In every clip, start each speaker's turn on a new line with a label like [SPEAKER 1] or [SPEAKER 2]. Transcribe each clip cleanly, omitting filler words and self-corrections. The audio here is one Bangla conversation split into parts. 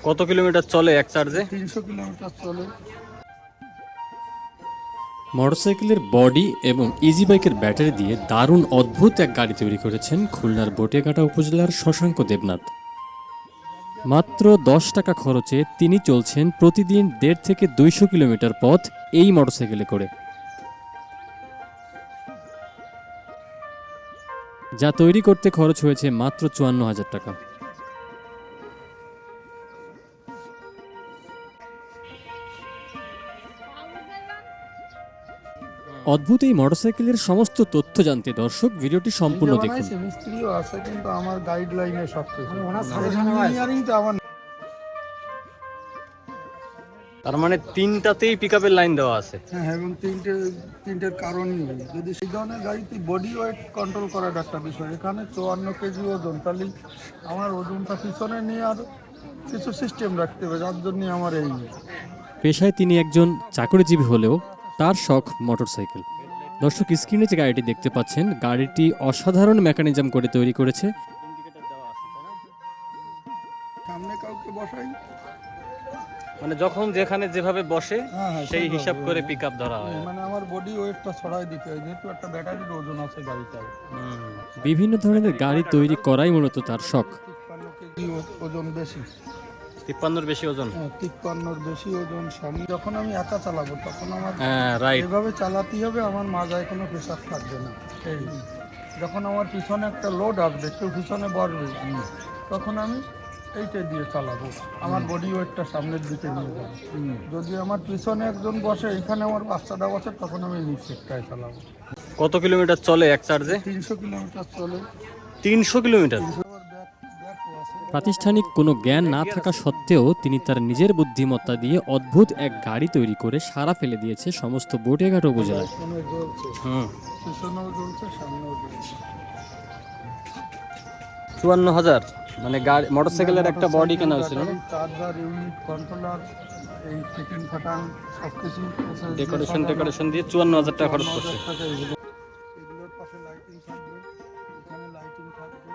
[SPEAKER 1] কত কিলোমিটার চলে এক চার্জে?
[SPEAKER 2] 300 কিলোমিটার চলে।
[SPEAKER 3] মোটরসাইকেলের বডি এবং ইজি বাইকের ব্যাটারি দিয়ে দারুণ অদ্ভুত এক গাড়ি তৈরি করেছেন খুলনার বটিয়াঘাটা উপজেলার শশাঙ্ক দেবনাথ। মাত্র 10 টাকা খরচে তিনি চলছেন প্রতিদিন 1.5 থেকে 200 কিলোমিটার পথ এই মোটরসাইকেলে করে, যা তৈরি করতে খরচ হয়েছে মাত্র 54,000 টাকা। অদ্ভুত এই মোটরসাইকেলের সমস্ত তথ্য জানতে দর্শক ভিডিওটি সম্পূর্ণ দেখুন।
[SPEAKER 2] মিস্ত্রিও আছে কিন্তু আমার গাইডলাইনে সবকিছু ইঞ্জিনিয়ারিংটা আমার।
[SPEAKER 1] তার মানে তিনটাতেই পিকআপের লাইন দেওয়া আছে।
[SPEAKER 2] হ্যাঁ, এবং তিনটের কারণই যদি সেই ধরনের গাড়িতে বডি ওয়েট কন্ট্রোল করার একটা বিষয়। এখানে 54 কেজি ওজন, তাহলে আমার ওজনটা পিছনে নিয়ে আর কিছু সিস্টেম রাখতে হবে, যার জন্য আমার এই।
[SPEAKER 3] পেশায় তিনি একজন চাকরিজীবী হলেও তার শখ মোটরসাইকেল। দর্শক স্ক্রিনে যে গাড়িটি দেখতে পাচ্ছেন, গাড়িটি অসাধারণ মেকানিজম করে তৈরি করেছে।
[SPEAKER 2] সামনে কাউকে বসাই,
[SPEAKER 1] মানে যখন যেখানে যেভাবে বসে সেই হিসাব করে পিকআপ ধরা হয়।
[SPEAKER 2] মানে আমার বডি ওয়েটটা ছড়াই দিতে হয়, যেহেতু একটা ব্যাটারির ওজন আছে গাড়িটায়।
[SPEAKER 3] বিভিন্ন ধরনের গাড়ি তৈরি করাই মূলত তার শখ।
[SPEAKER 2] 53 কেজি ওজন বেশি।
[SPEAKER 1] 53-র বেশি ওজন?
[SPEAKER 2] 53-র বেশি ওজন। সামনে যখন আমি একা চালাবো তখন আমার
[SPEAKER 1] রাইট,
[SPEAKER 2] এভাবে চালাতেই হবে, আমার মাজায় কোনো প্রেশার থাকবে না। এই যখন আমার পিছনে একটা লোড আসবে, কেউ পিছনে বসবে, তখন আমি এইটা দিয়ে চালাবো, আমার বডি ওয়েটটা সামনের দিকে নিয়ে যাবো। যদি আমার পিছনে একজন বসে, এখানে আমার বাচ্চাটা বসে, তখন আমি নিচেরটায় চালাবো।
[SPEAKER 1] কত কিলোমিটার চলে এক চার্জে?
[SPEAKER 2] 300 কিলোমিটার চলে।
[SPEAKER 1] 300 কিলোমিটার?
[SPEAKER 3] প্রাতিষ্ঠানিক কোনো জ্ঞান না থাকা সত্ত্বেও তিনি তার নিজের বুদ্ধিমত্তা দিয়ে অদ্ভুত এক গাড়ি তৈরি করে সারা ফেলে দিয়েছে সমস্ত বটিয়াঘাটা উপজেলায়।
[SPEAKER 2] পিছনেও জ্বলছে, সামনেও জ্বলছে।
[SPEAKER 1] 54,000? মানে গাড়ি মোটরসাইকেলের একটা বডি কেনা হয়েছিল না?
[SPEAKER 2] চার্জার, ইউনিট, কন্ট্রোলার, এই ফিটিং ফাটাং সবকিছু,
[SPEAKER 1] ডেকোরেশন দিয়ে 54,000 টাকা খরচ করছে।
[SPEAKER 2] এগুলোর পাশে লাইটিং থাকবে, এখানে লাইটিং থাকবে,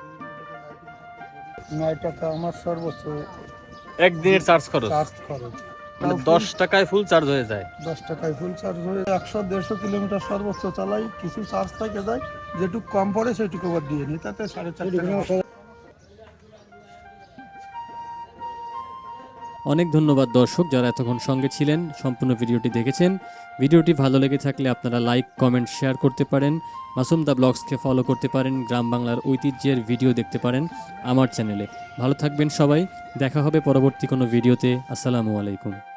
[SPEAKER 2] 9 টাকা আমার সর্বোচ্চ
[SPEAKER 1] একদিনের চার্জ খরচ? মানে 10 টাকায় ফুল চার্জ হয়ে যায়?
[SPEAKER 2] 10 টাকায় ফুল চার্জ হয়ে 100-150 কিলোমিটার সর্বোচ্চ চালাই, কিছু চার্জ থেকে যায়, যেটুকু কম পড়ে সেটুকু আবার দিয়ে নিই, তাতে 4.5 টাকা।
[SPEAKER 3] অনেক ধন্যবাদ দর্শক যারা এতক্ষণ সঙ্গে ছিলেন, সম্পূর্ণ ভিডিওটি দেখেছেন। ভিডিওটি ভালো লেগে থাকলে আপনারা লাইক, কমেন্ট, শেয়ার করতে পারেন। মাসুম দা ব্লগসকে ফলো করতে পারেন। গ্রাম বাংলার ঐতিহ্যের ভিডিও দেখতে পারেন আমার চ্যানেলে। ভালো থাকবেন সবাই, দেখা হবে পরবর্তী কোনো ভিডিওতে। আসসালামু আলাইকুম।